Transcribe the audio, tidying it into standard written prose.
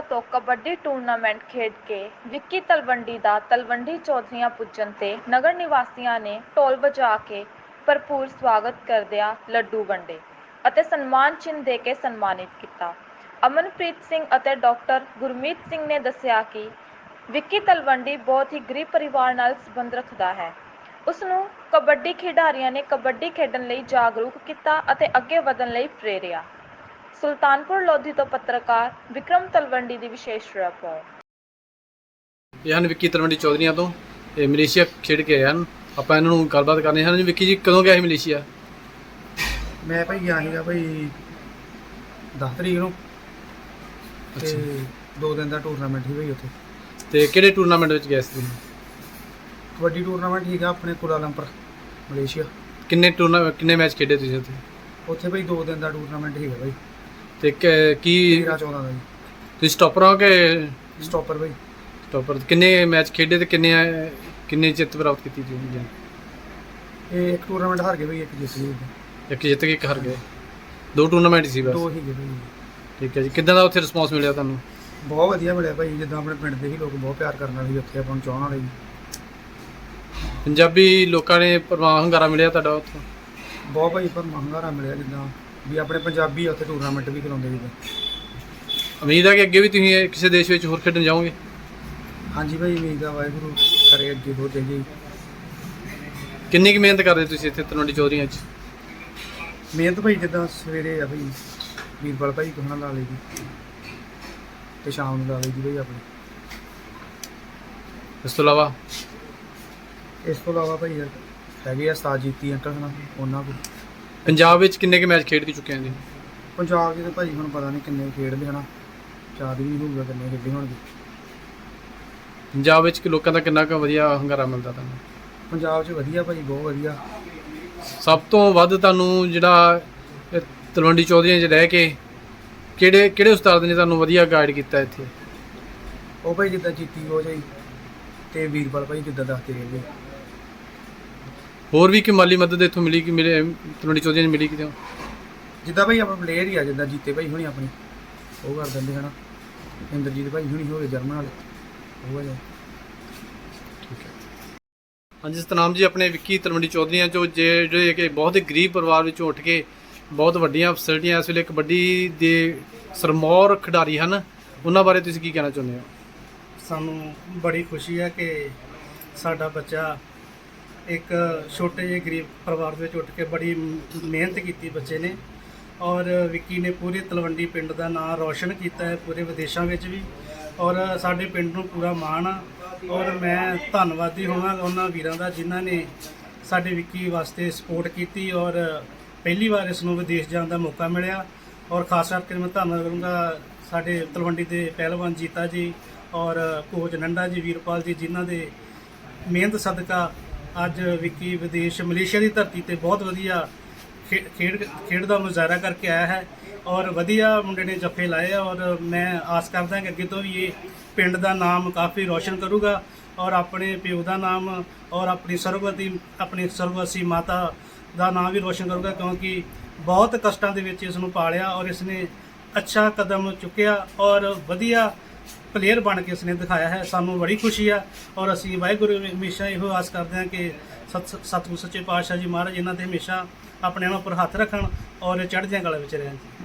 ਤੋਂ ਕਬੱਡੀ ਟੂਰਨਾਮੈਂਟ ਖੇਡ ਕੇ ਵਿੱਕੀ ਤਲਵੰਡੀ ਦਾ ਤਲਵੰਡੀ ਚੌਧਰੀਆਂ ਪੁੱਜਣ 'ਤੇ ਨਗਰ ਨਿਵਾਸੀਆਂ ਨੇ ਢੋਲ ਵਜਾ ਕੇ ਭਰਪੂਰ ਸਵਾਗਤ ਕਰਦਿਆਂ ਲੱਡੂ ਵੰਡੇ ਅਤੇ ਸਨਮਾਨ ਚਿੰਨ੍ਹ ਦੇ ਕੇ ਸਨਮਾਨਿਤ ਕੀਤਾ। ਅਮਨਪ੍ਰੀਤ ਸਿੰਘ ਅਤੇ ਡਾਕਟਰ ਗੁਰਮੀਤ ਸਿੰਘ ਨੇ ਦੱਸਿਆ ਕਿ ਵਿੱਕੀ ਤਲਵੰਡੀ ਬਹੁਤ ਹੀ ਗਰੀਬ ਪਰਿਵਾਰ ਨਾਲ ਸੰਬੰਧ ਰੱਖਦਾ ਹੈ। ਉਸ ਨੂੰ ਕਬੱਡੀ ਖਿਡਾਰੀਆਂ ਨੇ ਕਬੱਡੀ ਖੇਡਣ ਲਈ ਜਾਗਰੂਕ ਕੀਤਾ ਅਤੇ ਅੱਗੇ ਵਧਣ ਲਈ ਪ੍ਰੇਰਿਆ। ਸੁਲਤਾਨਪੁਰ ਲੋਧੀ ਤੋਂ ਪੱਤਰਕਾਰ ਵਿਕਰਮ ਤਲਵੰਡੀ ਦੀ ਵਿਸ਼ੇਸ਼ ਰਿਪੋਰਟ। ਇਹ ਹਨ ਵਿੱਕੀ ਤਲਵੰਡੀ ਚੌਧਰੀਆਂ ਤੋਂ, ਇਹ ਮਲੇਸ਼ੀਆ ਖੇਡ ਕੇ ਆਏ ਹਨ। ਆਪਾਂ ਇਹਨਾਂ ਨੂੰ ਗੱਲਬਾਤ ਕਰਨੀ ਹਨ। ਵਿੱਕੀ ਜੀ ਕਦੋਂ ਗਿਆ ਸੀ ਮਲੇਸ਼ੀਆ? ਮੈਂ ਭਾਈ ਗਿਆ ਸੀਗਾ ਭਾਈ 10 ਤਰੀਕ ਨੂੰ ਤੇ 2 ਦਿਨ ਦਾ ਟੂਰਨਾਮੈਂਟ ਸੀ ਭਾਈ ਉੱਥੇ। ਤੇ ਕਿਹੜੇ ਟੂਰਨਾਮੈਂਟ ਵਿੱਚ ਗਿਆ ਸੀ ਤੁਸੀਂ? ਕਬੱਡੀ ਟੂਰਨਾਮੈਂਟ ਸੀਗਾ ਆਪਣੇ ਕੁਆਲਾਲੰਪੁਰ ਮਲੇਸ਼ੀਆ। ਕਿੰਨੇ ਮੈਚ ਖੇਡੇ ਤੁਸੀਂ ਉੱਥੇ? ਉੱਥੇ ਭਾਈ 2 ਦਿਨ ਦਾ ਟੂਰਨਾਮੈਂਟ ਸੀਗਾ ਭਾਈ। ਤੇ ਕੀ 13-14 ਦਾ ਜੀ। ਤੁਸੀਂ ਸਟਾਪਰ ਹੋ ਕਿ ਸਟਾਪਰ ਭਾਈ। ਸਟਾਪਰ? ਕਿੰਨੇ ਮੈਚ ਖੇਡੇ ਤੇ ਕਿੰਨੇ ਜਿੱਤ ਪ੍ਰਾਪਤ ਕੀਤੀ ਤੁਸੀਂ? ਇਹ ਇੱਕ ਟੂਰਨਾਮੈਂਟ ਹਾਰ ਗਏ ਭਾਈ, ਇੱਕ ਜਿੱਤ ਗਏ। ਇੱਕ ਜਿੱਤ ਕੇ ਇੱਕ ਹਾਰ ਗਏ। 2 ਟੂਰਨਾਮੈਂਟ ਸੀ ਬਸ? 2 ਸੀਗੇ ਭਾਈ। ਠੀਕ ਹੈ ਜੀ। ਕਿੱਦਾਂ ਦਾ ਉੱਥੇ ਰਿਸਪੌਂਸ ਮਿਲਿਆ ਤੁਹਾਨੂੰ? ਬਹੁਤ ਵਧੀਆ ਮਿਲਿਆ ਭਾਈ, ਜਿੱਦਾਂ ਆਪਣੇ ਪਿੰਡ ਦੇ ਹੀ ਲੋਕ ਬਹੁਤ ਪਿਆਰ ਕਰਨ ਵਾਲੇ ਸੀ ਉੱਥੇ, ਆਪਾਂ ਨੂੰ ਚਾਹਣ ਵਾਲੇ ਜੀ। ਪੰਜਾਬੀ ਲੋਕਾਂ ਨੇ ਪਰਵਾਹ ਹੰਗਾਰਾ ਮਿਲਿਆ ਤੁਹਾਡਾ ਉੱਥੋਂ? ਬਹੁਤ ਭਾਈ ਪਰ ਹੰਗਾਰਾ ਮਿਲਿਆ, ਜਿੱਦਾਂ ਵੀ ਆਪਣੇ ਪੰਜਾਬੀ ਉੱਥੇ ਟੂਰਨਾਮੈਂਟ ਵੀ ਕਰਾਉਂਦੇ ਜਿੱਦਾਂ। ਉਮੀਦ ਹੈ ਕਿ ਅੱਗੇ ਵੀ ਤੁਸੀਂ ਕਿਸੇ ਦੇਸ਼ ਵਿੱਚ ਹੋਰ ਖੇਡਣ ਜਾਓਗੇ? ਹਾਂਜੀ ਭਾਈ, ਉਮੀਦ ਆ ਵਾਹਿਗੁਰੂ ਕਰੇ ਅੱਗੇ ਹੋਰ ਜਾਈਏ। ਕਿੰਨੀ ਕੁ ਮਿਹਨਤ ਕਰਦੇ ਤੁਸੀਂ ਇੱਥੇ ਤਲਵੰਡੀ ਚੌਧਰੀਆਂ 'ਚ? ਮਿਹਨਤ ਭਾਈ ਜਿੱਦਾਂ ਸਵੇਰੇ ਆ ਭਾਈ ਵੀਰਵਾਲ ਭਾਈ ਕੋਲ ਲਾ ਲਈ ਦੀ ਤੇ ਸ਼ਾਮ ਨੂੰ ਲਾ ਲਈ ਦੀ ਭਾਈ ਆਪਣੀ। ਇਸ ਤੋਂ ਇਲਾਵਾ ਭਾਈ ਹੈਗੇ ਆ ਉਸਤਾਦ ਜੀਤੀ ਅੰਕਲ ਨਾਲ, ਉਹਨਾਂ ਕੋਲ। ਪੰਜਾਬ ਵਿੱਚ ਕਿੰਨੇ ਕੁ ਮੈਚ ਖੇਡ ਕੇ ਚੁੱਕੇ ਹਾਂ ਜੀ? ਪੰਜਾਬ 'ਚ ਤਾਂ ਭਾਈ ਹੁਣ ਪਤਾ ਨਹੀਂ ਕਿੰਨੇ ਖੇਡਦੇ ਹਨਾ, ਯਾਦ ਵੀ ਨਹੀਂ ਹੋਊਗਾ ਕਿੰਨੇ ਖੇਡੇ ਹੋਣਗੇ। ਪੰਜਾਬ ਵਿੱਚ ਲੋਕਾਂ ਦਾ ਕਿੰਨਾ ਕੁ ਵਧੀਆ ਹੰਗਾਰਾ ਮਿਲਦਾ ਤੁਹਾਨੂੰ? ਪੰਜਾਬ 'ਚ ਵਧੀਆ ਭਾਈ, ਬਹੁਤ ਵਧੀਆ। ਸਭ ਤੋਂ ਵੱਧ ਤੁਹਾਨੂੰ ਜਿਹੜਾ ਇਹ ਤਲਵੰਡੀ ਚੌਧਰੀਆਂ 'ਚ ਰਹਿ ਕੇ ਕਿਹੜੇ ਉਸਤਾਦ ਨੇ ਤੁਹਾਨੂੰ ਵਧੀਆ ਗਾਈਡ ਕੀਤਾ ਇੱਥੇ? ਉਹ ਭਾਈ ਜਿੱਦਾਂ ਜੀਤੀ ਹੋ ਜਾਈ ਤੇ ਵੀਰਵਾਲ ਭਾਈ ਜਿੱਦਾਂ ਦੱਸਦੇ ਰਹਿੰਦੇ। ਹੋਰ ਵੀ ਕਿ ਮਾਲੀ ਮਦਦ ਇੱਥੋਂ ਮਿਲੀ ਕਿ ਮਿਲੇ ਤਲਵੰਡੀ ਚੌਧਰੀਆਂ 'ਚ ਮਿਲੀ ਕਿਤੇ? ਜਿੱਦਾਂ ਭਾਈ ਆਪਣਾ ਪਲੇਅਰ ਹੀ ਆ, ਜਿੱਦਾਂ ਜੀਤੇ ਭਾਈ ਹੁਣੀ ਆਪਣੀ ਉਹ ਕਰ ਦਿੰਦੇ ਹਨਾ, ਇੰਦਰਜੀਤ ਭਾਈ ਹੁਣੀ ਹੋਵੇ ਜਰਮਨ ਵਾਲੇ, ਉਹ ਆ ਜੀ। ਠੀਕ ਹੈ। ਹਾਂਜੀ ਸਤਨਾਮ ਜੀ, ਆਪਣੇ ਵਿੱਕੀ ਤਲਵੰਡੀ ਚੌਧਰੀਆਂ 'ਚੋਂ ਜਿਹੜੇ ਕਿ ਬਹੁਤ ਹੀ ਗਰੀਬ ਪਰਿਵਾਰ ਵਿੱਚੋਂ ਉੱਠ ਕੇ ਬਹੁਤ ਵੱਡੀਆਂ ਫੈਸਿਲਿਟੀਆਂ ਇਸ ਵੇਲੇ ਕਬੱਡੀ ਦੇ ਸਰਮੌਰ ਖਿਡਾਰੀ ਹਨ, ਉਹਨਾਂ ਬਾਰੇ ਤੁਸੀਂ ਕੀ ਕਹਿਣਾ ਚਾਹੁੰਦੇ ਹੋ? ਸਾਨੂੰ ਬੜੀ ਖੁਸ਼ੀ ਹੈ ਕਿ ਸਾਡਾ ਬੱਚਾ ਇੱਕ ਛੋਟੇ ਜਿਹੇ ਗਰੀਬ ਪਰਿਵਾਰ ਦੇ ਵਿੱਚ ਉੱਠ ਕੇ ਬੜੀ ਮਿਹਨਤ ਕੀਤੀ ਬੱਚੇ ਨੇ, ਔਰ ਵਿੱਕੀ ਨੇ ਪੂਰੇ ਤਲਵੰਡੀ ਪਿੰਡ ਦਾ ਨਾਮ ਰੌਸ਼ਨ ਕੀਤਾ ਹੈ ਪੂਰੇ ਵਿਦੇਸ਼ਾਂ ਵਿੱਚ ਵੀ, ਔਰ ਸਾਡੇ ਪਿੰਡ ਨੂੰ ਪੂਰਾ ਮਾਣ ਆ। ਔਰ ਮੈਂ ਧੰਨਵਾਦੀ ਹੋਵਾਂਗਾ ਉਹਨਾਂ ਵੀਰਾਂ ਦਾ ਜਿਨ੍ਹਾਂ ਨੇ ਸਾਡੇ ਵਿੱਕੀ ਵਾਸਤੇ ਸਪੋਰਟ ਕੀਤੀ ਔਰ ਪਹਿਲੀ ਵਾਰ ਇਸ ਨੂੰ ਵਿਦੇਸ਼ ਜਾਣ ਦਾ ਮੌਕਾ ਮਿਲਿਆ। ਔਰ ਖਾਸ ਕਰਕੇ ਮੈਂ ਧੰਨਵਾਦ ਕਰੂੰਗਾ ਸਾਡੇ ਤਲਵੰਡੀ ਦੇ ਪਹਿਲਵਾਨ ਜੀਤਾ ਜੀ ਔਰ ਕੋਚ ਨੰਡਾ ਜੀ, ਵੀਰਪਾਲ ਜੀ, ਜਿਨ੍ਹਾਂ ਦੇ ਮਿਹਨਤ ਸਦਕਾ ਅੱਜ ਵਿੱਕੀ ਵਿਦੇਸ਼ ਮਲੇਸ਼ੀਆ ਦੀ ਧਰਤੀ ਤੇ ਬਹੁਤ ਵਧੀਆ ਖੇਡ ਦਾ ਮੁਜ਼ਾਹਰਾ ਕਰਕੇ ਆਇਆ ਹੈ ਔਰ ਵਧੀਆ ਮੁੰਡੇ ਨੇ ਜੱਫੇ ਲਾਏ ਆ। ਔਰ ਮੈਂ ਆਸ ਕਰਦਾ ਕਿ ਅੱਗੇ ਤੋਂ ਵੀ ਇਹ ਪਿੰਡ ਦਾ ਨਾਮ ਕਾਫੀ ਰੌਸ਼ਨ ਕਰੂਗਾ ਔਰ ਆਪਣੇ ਪਿਓ ਦਾ ਨਾਮ ਔਰ ਆਪਣੀ ਸਰਵਗਤੀ ਮਾਤਾ ਦਾ ਨਾਮ ਵੀ ਰੌਸ਼ਨ ਕਰੂਗਾ, ਕਿਉਂਕਿ ਬਹੁਤ ਕਸ਼ਟਾਂ ਦੇ ਵਿੱਚ ਇਸ ਨੂੰ ਪਾਲਿਆ ਔਰ ਇਸ ਨੇ ਅੱਛਾ ਕਦਮ ਚੁੱਕਿਆ ਔਰ ਵਧੀਆ ਪਲੇਅਰ ਬਣ ਕੇ ਇਸਨੇ ਦਿਖਾਇਆ ਹੈ। ਸਾਨੂੰ ਬੜੀ ਖੁਸ਼ੀ ਆ ਔਰ ਅਸੀਂ ਵਾਹਿਗੁਰੂ ਹਮੇਸ਼ਾ ਇਹੋ ਆਸ ਕਰਦੇ ਹਾਂ ਕਿ ਸਤਿਗੁਰੂ ਸੱਚੇ ਪਾਤਸ਼ਾਹ ਜੀ ਮਹਾਰਾਜ ਇਹਨਾਂ ਤੇ ਹਮੇਸ਼ਾ ਆਪਣੇ ਨਾਲ ਉੱਪਰ ਹੱਥ ਰੱਖਣ ਔਰ ਚੜ੍ਹਦੀਆਂ ਕਲਾ ਵਿੱਚ ਰਹਿਣ।